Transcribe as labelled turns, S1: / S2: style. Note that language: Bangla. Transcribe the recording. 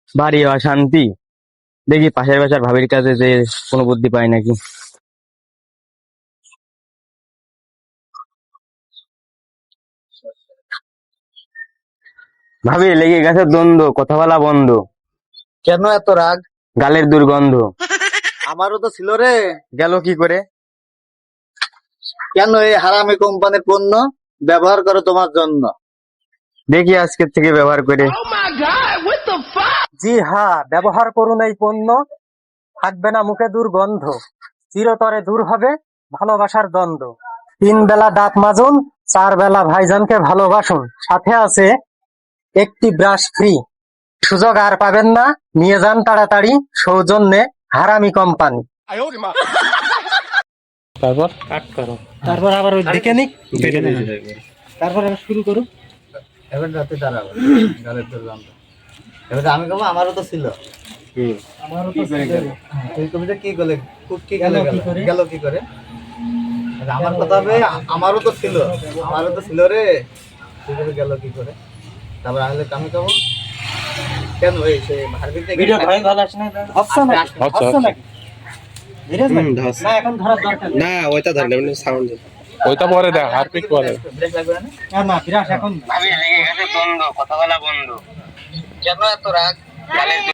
S1: বাড়ি অশান্তি। দেখি পাশের বাসার ভাবির কাছে যে কোনো বুদ্ধি পাই নাকি। ভাবি, লেগে গেছে দ্বন্দ্ব, কথা বলা বন্ধ।
S2: কেন এত রাগ?
S1: গালের দুর্গন্ধ।
S2: আমারও তো ছিল রে।
S1: গেল কি করে?
S2: কেন এই হারামি কোম্পানির পণ্য ব্যবহার করো তোমার জন্য?
S1: দেখি আজকের থেকে ব্যবহার করে।
S3: জি হ্যাঁ, ব্যবহার করুন এই পণ্য, থাকবে না মুখে দুর্গন্ধ, চিরতরে দূর হবে ভালোবাসার দ্বন্দ্ব। 3 বেলা দাঁত মাজুন, 4 বেলা ভাইজানকে ভালোবাসুন, সাথে আছে একটি ব্রাশ ফ্রি। সুযোগ আর পাবেন না, নিয়ে যান তাড়াতাড়ি, সৌজন্যে হারামি কোম্পানি।
S1: তারপর
S3: তারপর আবার ওই দিকে নিক, তারপর আবার শুরু করুন।
S2: এবার রাতে দাঁড়াবো, গালের দুর্গন্ধ। এবার আমি কব আমারও তো ছিল।
S3: আমারও তো ছিল রে।
S2: তুই কবিতা কি করলে? খুব কি গেল
S3: কি করে?
S2: গেল কি করে? আমার কথা হবে আমারও তো ছিল, আমারও তো ছিল রে। তুই কবি গেল কি করে? তারপর আমি কব কেন এই সে হারবিক থেকে
S3: ভিডিও ভাই ভালো আসে না, হচ্ছে না, হচ্ছে না। ধীরেজ ভাই, না এখন ধরার দরকার নেই।
S4: না ওইটা ধরলে সাউন্ড ওইটা পরে দেখ হারপিক পরে
S2: ব্রেক লাগবে না?
S3: না না, বিরাট এখন না।
S1: ভাবি, লেগে গেছে দ্বন্দ্ব, কথা বলা বন্ধ।
S2: কেন এত রাগ?
S1: গালের